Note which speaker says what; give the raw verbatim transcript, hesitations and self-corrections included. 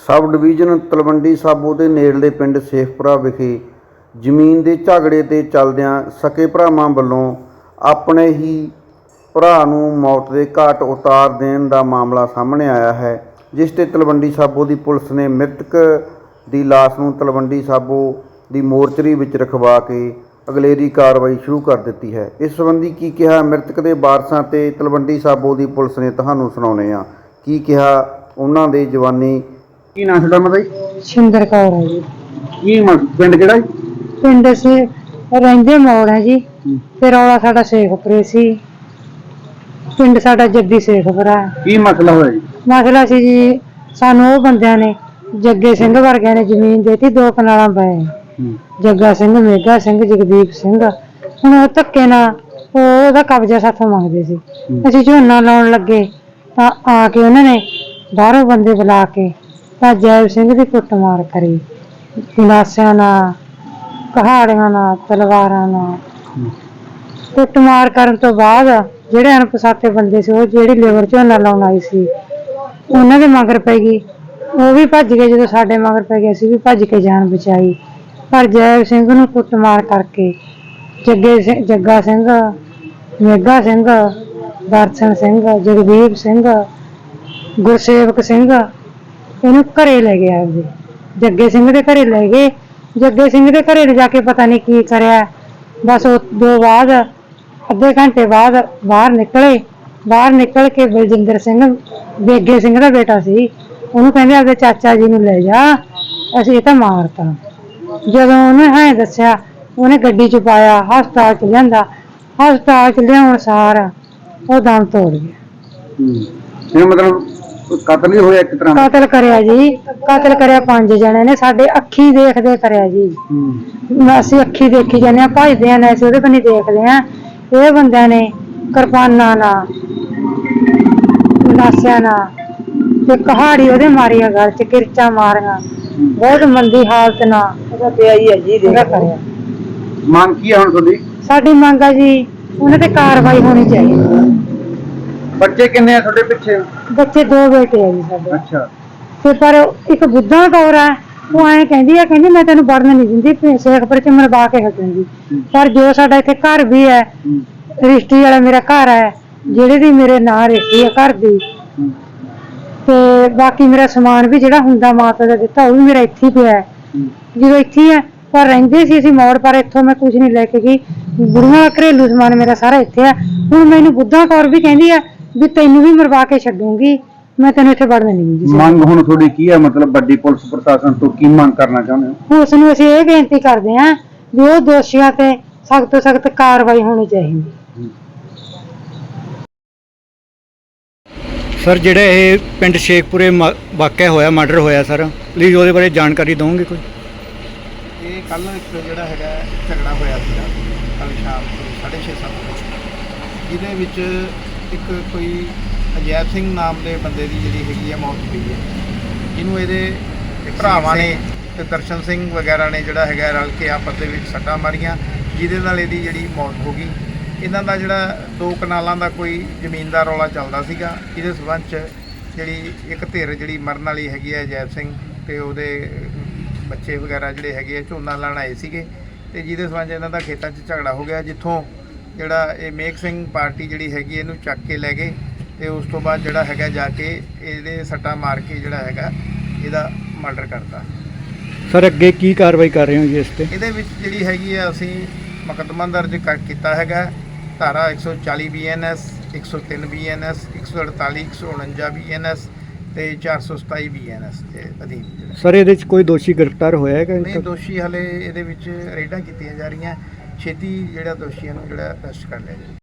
Speaker 1: Sub division Talwandi Sabo ਦੇ ਨੇੜਲੇ ਪਿੰਡ ਸੇਖਪੁਰਾ ਵਿਖੇ ਜ਼ਮੀਨ ਦੇ ਝਗੜੇ ਤੇ ਚੱਲਦਿਆਂ ਸਕੇ ਭਰਾਵਾਂ ਵੱਲੋਂ ਆਪਣੇ ਹੀ ਭਰਾ ਨੂੰ ਮੌਤ ਦੇ ਘਾਟ ਉਤਾਰ ਦੇਣ ਦਾ ਮਾਮਲਾ ਸਾਹਮਣੇ ਆਇਆ ਹੈ, ਜਿਸ ਤੇ ਤਲਵੰਡੀ ਸਾਬੋ ਦੀ ਪੁਲਿਸ ਨੇ ਮ੍ਰਿਤਕ ਦੀ ਲਾਸ਼ ਨੂੰ ਤਲਵੰਡੀ ਸਾਬੋ ਦੀ ਮੋਰਚਰੀ ਵਿੱਚ ਰਖਵਾ ਕੇ ਅਗਲੇਰੀ ਕਾਰਵਾਈ ਸ਼ੁਰੂ ਕਰ ਦਿੱਤੀ ਹੈ। ਇਸ ਸੰਬੰਧੀ ਕੀ ਕਿਹਾ ਮ੍ਰਿਤਕ ਦੇ ਵਾਰਸਾਂ ਤੇ ਤਲਵੰਡੀ ਸਾਬੋ ਦੀ ਪੁਲਿਸ ਨੇ, ਤੁਹਾਨੂੰ ਸੁਣਾਉਂਦੇ ਹਾਂ। ਕੀ ਕਿਹਾ ਉਹਨਾਂ ਦੇ ਜਵਾਨੀ। ਕੀ ਨਾਂ ਤੁਹਾਡਾ ਮਾਤਾ ਜੀ?
Speaker 2: ਸਿੰਦਰ ਕੌਰ ਹੈ ਜੀ।
Speaker 1: ਕੀ ਪਿੰਡ ਕਿਹੜਾ ਜੀ?
Speaker 2: ਪਿੰਡ ਸੇ ਰਹਿੰਦੇ ਮੋੜ ਹੈ ਜੀ। ਤੇ ਰੌਲਾ ਸਾਡਾ ਸੇਖਪੁਰੇ ਸੀ, ਪਿੰਡ ਸਾਡਾ ਜੱਦੀ ਸੇਖਪੁਰਾ।
Speaker 1: ਕੀ ਮਸਲਾ ਹੋਇਆ ਜੀ?
Speaker 2: ਮਸਲਾ ਸੀ ਜੀ, ਸਾਨੂੰ ਉਹ ਬੰਦਿਆਂ ਨੇ ਜੱਗੇ ਸਿੰਘ ਵਰਗਿਆਂ ਨੇ ਜ਼ਮੀਨ ਦੇਤੀ, ਦੋ ਕਨਾਲਾਂ ਪਏ। ਜੱਗਾ ਸਿੰਘ, ਮੇਗਾ ਸਿੰਘ, ਜਗਦੀਪ ਸਿੰਘ। ਹੁਣ ਉਹ ਧੱਕੇ ਨਾਲ ਉਹ ਉਹਦਾ ਕਬਜ਼ਾ ਸਾਥੋਂ ਮੰਗਦੇ ਸੀ। ਅਸੀਂ ਝੋਨਾ ਲਾਉਣ ਲੱਗੇ ਤਾਂ ਆ ਕੇ ਉਹਨਾਂ ਨੇ ਬਾਹਰੋਂ ਬੰਦੇ ਬੁਲਾ ਕੇ ਤਾਂ ਜੈਬ ਸਿੰਘ ਦੀ ਕੁੱਟਮਾਰ ਕਰੀ, ਗੰਡਾਸਿਆਂ ਨਾਲ, ਕਹਾੜੀਆਂ ਨਾਲ, ਤਲਵਾਰਾਂ ਨਾਲ। ਕੁੱਟਮਾਰ ਕਰਨ ਤੋਂ ਬਾਅਦ ਜਿਹੜੇ ਅਣਪਛਾਤੇ ਬੰਦੇ ਸੀ, ਉਹ ਜਿਹੜੀ ਲੇਬਰ ਝੋਨਾ ਲਾਉਣ ਆਈ ਸੀ, ਉਹਨਾਂ ਦੇ ਮਗਰ ਪੈ ਗਈ। ਉਹ ਵੀ ਭੱਜ ਗਏ। ਜਦੋਂ ਸਾਡੇ ਮਗਰ ਪੈ ਗਏ, ਅਸੀਂ ਵੀ ਭੱਜ ਕੇ ਜਾਨ ਬਚਾਈ। ਪਰ ਜੈਬ ਸਿੰਘ ਨੂੰ ਕੁੱਟਮਾਰ ਕਰਕੇ ਜੱਗੇ ਸਿੰਘ, ਜੱਗਾ ਸਿੰਘ, ਮੇਗਾ ਸਿੰਘ, ਦਰਸ਼ਨ ਸਿੰਘ, ਜਗਦੀਪ ਸਿੰਘ, ਗੁਰਸੇਵਕ ਸਿੰਘ ਇਹਨੂੰ ਘਰੇ ਲੈ ਗਏ। ਆਪਦੇ ਜੱਗੇ ਸਿੰਘ ਦੇ ਘਰੇ ਲੈ ਗਏ। ਜੱਗੇ ਸਿੰਘ ਦੇ ਘਰੇ ਲਿਜਾ ਕੇ ਪਤਾ ਨਹੀਂ ਕੀ ਕਰਿਆ। ਬਸ ਉਹ ਦੋ ਬਾਅਦ ਅੱਧੇ ਘੰਟੇ ਬਾਅਦ ਬਾਹਰ ਨਿਕਲੇ। ਬਾਹਰ ਨਿਕਲ ਕੇ ਬਲਜਿੰਦਰ ਸਿੰਘ, ਬੇਗੇ ਸਿੰਘ ਦਾ ਬੇਟਾ ਸੀ, ਉਹਨੂੰ ਕਹਿੰਦੇ ਆਪਦੇ ਚਾਚਾ ਜੀ ਨੂੰ ਲੈ ਜਾ, ਅਸੀਂ ਇਹ ਤਾਂ ਮਾਰਤਾ। ਜਦੋਂ ਉਹਨੇ ਹਾਂ ਦੱਸਿਆ, ਉਹਨੇ ਗੱਡੀ ਚ ਪਾਇਆ, ਹਸਪਤਾਲ ਚ ਲਿਆਂਦਾ। ਹਸਪਤਾਲ ਚ ਲਿਆਉਣ ਸਾਰ ਉਹ ਦਮ ਤੋੜ ਗਿਆ।
Speaker 1: ਇਹ ਮਤਲਬ ਕਤਲ ਹੀ ਹੋਇਆ ਇੱਕ ਤਰ੍ਹਾਂ ਦਾ?
Speaker 2: ਕਤਲ ਕਰਿਆ ਜੀ, ਕਤਲ ਕਰਿਆ ਪੰਜ ਜਣੇ ਨੇ, ਸਾਡੇ ਅੱਖੀ ਦੇਖਦੇ ਕਰਿਆ ਜੀ। ਅਸੀਂ ਅੱਖੀ ਦੇਖੀ ਜਾਂਦੇ ਹਾਂ, ਭੱਜਦੇ ਆ ਨਾ, ਅਸੀਂ ਉਹਦੇ ਬੰਨੀ ਦੇਖਦੇ ਹਾਂ। ਇਹ ਬੰਦਿਆਂ ਨੇ ਕਿਰਪਾਨਾਂ ਨਾਲ, ਗੰਡਾਸਿਆਂ ਨਾਲ ਤੇ ਕਹਾੜੀ ਉਹਦੇ ਮਾਰੀ ਆ, ਗਲ ਚ ਕਿਰਚਾਂ ਮਾਰੀਆਂ, ਬਹੁਤ ਮੰਦੀ ਹਾਲਤ ਨਾਲ ਉਹਦਾ ਪਿਆ ਹੀ ਹੈ ਜੀ। ਉਹਦਾ ਕਰਿਆ।
Speaker 1: ਮੰਗ ਕੀ ਆ ਹੁਣ ਤੁਹਾਡੀ?
Speaker 2: ਸਾਡੀ ਮੰਗ ਆ ਜੀ, ਉਹਨਾਂ ਤੇ ਕਾਰਵਾਈ ਹੋਣੀ ਚਾਹੀਦੀ।
Speaker 1: ਬੱਚੇ ਕਿੰਨੇ ਆ ਤੁਹਾਡੇ ਪਿੱਛੇ?
Speaker 2: ਬੱਚੇ ਦੋ ਬੇਟੇ ਆ ਜੀ ਸਾਡੇ।
Speaker 1: ਅੱਛਾ।
Speaker 2: ਤੇ ਪਰ ਇੱਕ ਬੁੱਧਾ ਕੌਰ ਆ, ਉਹ ਐਂ ਕਹਿੰਦੀ ਆ, ਕਹਿੰਦੀ ਮੈਂ ਤੈਨੂੰ ਵੜਨ ਨਹੀਂ ਦਿੰਦੀ, ਸੇਖਪੁਰ ਚ ਮਰਵਾ ਕੇ ਹਟੂੰਗੀ। ਪਰ ਜੋ ਸਾਡਾ ਇੱਥੇ ਘਰ ਵੀ ਹੈ, ਰਜਿਸਟਰੀ ਵਾਲਾ ਮੇਰਾ ਘਰ ਹੈ, ਜਿਹੜੇ ਦੀ ਮੇਰੇ ਨਾਂ ਰਜਿਸਟਰੀ ਹੈ ਘਰ ਦੀ, ਤੇ ਬਾਕੀ ਮੇਰਾ ਸਮਾਨ ਵੀ ਜਿਹੜਾ ਹੁੰਦਾ ਮਾਤਾ ਦਾ ਦਿੱਤਾ, ਉਹ ਵੀ ਮੇਰਾ ਇੱਥੇ ਹੀ ਪਿਆ। ਜਦੋਂ ਇੱਥੇ ਹੈ, ਪਰ ਰਹਿੰਦੇ ਸੀ ਅਸੀਂ ਮੋੜ, ਪਰ ਇੱਥੋਂ ਮੈਂ ਕੁਝ ਨਹੀਂ ਲੈ ਕੇ ਗਈ। ਬੁੜੀਆਂ ਘਰੇਲੂ ਸਮਾਨ ਮੇਰਾ ਸਾਰਾ ਇੱਥੇ ਆ। ਹੁਣ ਮੈਨੂੰ ਬੁੱਧਾ ਕੌਰ ਵੀ ਕਹਿੰਦੀ ਆ ਵੀ ਤੈਨੂੰ ਵੀ ਮਰਵਾ ਕੇ ਛੱਡੂੰਗੀ, ਮੈਂ ਤੈਨੂੰ ਇੱਥੇ ਵੜਨ ਨਹੀਂ ਦਿੰਦੀ।
Speaker 1: ਮੰਗ ਹੁਣ ਤੁਹਾਡੀ ਕੀ ਹੈ? ਮਤਲਬ ਵੱਡੀ ਪੁਲਿਸ ਪ੍ਰਸ਼ਾਸਨ ਤੋਂ ਕੀ ਮੰਗ ਕਰਨਾ ਚਾਹੁੰਦੇ ਹੋ?
Speaker 2: ਉਸ ਨੂੰ ਅਸੀਂ ਇਹ ਬੇਨਤੀ ਕਰਦੇ ਹਾਂ ਵੀ ਉਹ ਦੋਸ਼ੀਆਂ ਤੇ ਸਖਤ ਤੋਂ ਸਖਤ ਕਾਰਵਾਈ ਹੋਣੀ ਚਾਹੀਦੀ।
Speaker 3: ਸਰ, ਜਿਹੜਾ ਇਹ ਪਿੰਡ ਸ਼ੇਖਪੁਰੇ ਵਾਕਿਆ ਹੋਇਆ, ਮਰਡਰ ਹੋਇਆ ਸਰ, ਪਲੀਜ਼ ਉਹਦੇ ਬਾਰੇ ਜਾਣਕਾਰੀ ਦਿਓਗੇ ਕੋਈ?
Speaker 4: ਇਹ ਕੱਲ੍ਹ ਇੱਕ ਜਿਹੜਾ ਹੈਗਾ ਝਗੜਾ ਹੋਇਆ ਸੀਗਾ ਕੱਲ੍ਹ ਸ਼ਾਮ ਨੂੰ ਸਾਢੇ ਛੇ ਸੱਤ ਵਜੇ, ਜਿਹਦੇ ਵਿੱਚ ਇੱਕ ਕੋਈ ਅਜੈਬ ਸਿੰਘ ਨਾਮ ਦੇ ਬੰਦੇ ਦੀ ਜਿਹੜੀ ਹੈਗੀ ਆ ਮੌਤ ਹੋਈ ਹੈ, ਜਿਹਨੂੰ ਇਹਦੇ ਭਰਾਵਾਂ ਨੇ ਤੇ ਦਰਸ਼ਨ ਸਿੰਘ ਵਗੈਰਾ ਨੇ ਜਿਹੜਾ ਹੈਗਾ ਰਲ ਕੇ ਆਪਸ ਦੇ ਵਿੱਚ ਸੱਟਾਂ ਮਾਰੀਆਂ, ਜਿਹਦੇ ਨਾਲ ਇਹਦੀ ਜਿਹੜੀ ਮੌਤ ਹੋ ਗਈ। ਇਹਨਾਂ ਦਾ ਜਿਹੜਾ ਦੋ ਕਨਾਲਾਂ ਦਾ ਕੋਈ ਜ਼ਮੀਨ ਦਾ ਰੌਲਾ ਚੱਲਦਾ ਸੀਗਾ, ਇਹਦੇ ਸੰਬੰਧ 'ਚ ਜਿਹੜੀ ਇੱਕ ਧਿਰ ਜਿਹੜੀ ਮਰਨ ਵਾਲੀ ਹੈਗੀ ਹੈ ਅਜੈਬ ਸਿੰਘ ਤੇ ਉਹਦੇ ਬੱਚੇ ਵਗੈਰਾ ਜਿਹੜੇ ਹੈਗੇ ਆ ਝੋਨਾ ਲਾਉਣ ਆਏ ਸੀਗੇ, ਤੇ ਜਿਹਦੇ ਸੰਬੰਧ 'ਚ ਇਹਨਾਂ ਦਾ ਖੇਤਾਂ 'ਚ ਝਗੜਾ ਹੋ ਗਿਆ, ਜਿੱਥੋਂ ਜਿਹੜਾ ਇਹ ਮੇਘ ਸਿੰਘ ਪਾਰਟੀ ਜਿਹੜੀ ਹੈਗੀ ਇਹਨੂੰ ਚੱਕ ਕੇ ਲੈ ਗਏ ਤੇ ਉਸ ਤੋਂ ਬਾਅਦ ਜਿਹੜਾ ਹੈਗਾ ਜਾ ਕੇ ਇਹਦੇ ਸੱਟਾਂ ਮਾਰ ਕੇ ਜਿਹੜਾ ਹੈਗਾ ਇਹਦਾ ਮਰਡਰ ਕਰਤਾ।
Speaker 3: ਸਰ, ਅੱਗੇ ਕੀ ਕਾਰਵਾਈ ਕਰ ਰਹੇ ਹੋ ਜੀ ਇਸ ਤੇ?
Speaker 4: ਇਹਦੇ ਵਿੱਚ ਜਿਹੜੀ ਹੈਗੀ ਆ ਅਸੀਂ ਮੁਕੱਦਮਾ ਦਰਜ ਕਰ ਕੀਤਾ ਹੈਗਾ, ਧਾਰਾ ਇੱਕ ਸੌ ਚਾਲੀ ਬੀ ਐਨ ਐਸ, ਇੱਕ ਸੌ ਤਿੰਨ ਬੀ ਐਨ ਐਸ, ਇੱਕ ਸੌ ਅੜਤਾਲੀ, ਇੱਕ ਸੌ ਉਣੰਜਾ ਬੀ ਐਨ ਐਸ ਤੇ ਚਾਰ ਸੌ ਸਤਾਈ ਬੀ ਐਨ ਐਸ ਦੇ ਅਧੀਨ।
Speaker 3: ਸਰ, ਇਹਦੇ ਵਿੱਚ ਕੋਈ ਦੋਸ਼ੀ ਗ੍ਰਿਫਤਾਰ ਹੋਇਆ ਹੈਗਾ?
Speaker 4: ਨਹੀਂ, ਦੋਸ਼ੀ ਹਲੇ ਇਹਦੇ ਵਿੱਚ ਰੇਡਾਂ ਕੀਤੀਆਂ ਜਾ ਰਹੀਆਂ, ਛੇਤੀ ਜਿਹੜਾ ਦੋਸ਼ੀਆਂ ਨੂੰ ਜਿਹੜਾ ਅਰੈਸਟ ਕਰ ਲਿਆ ਜਾਵੇ।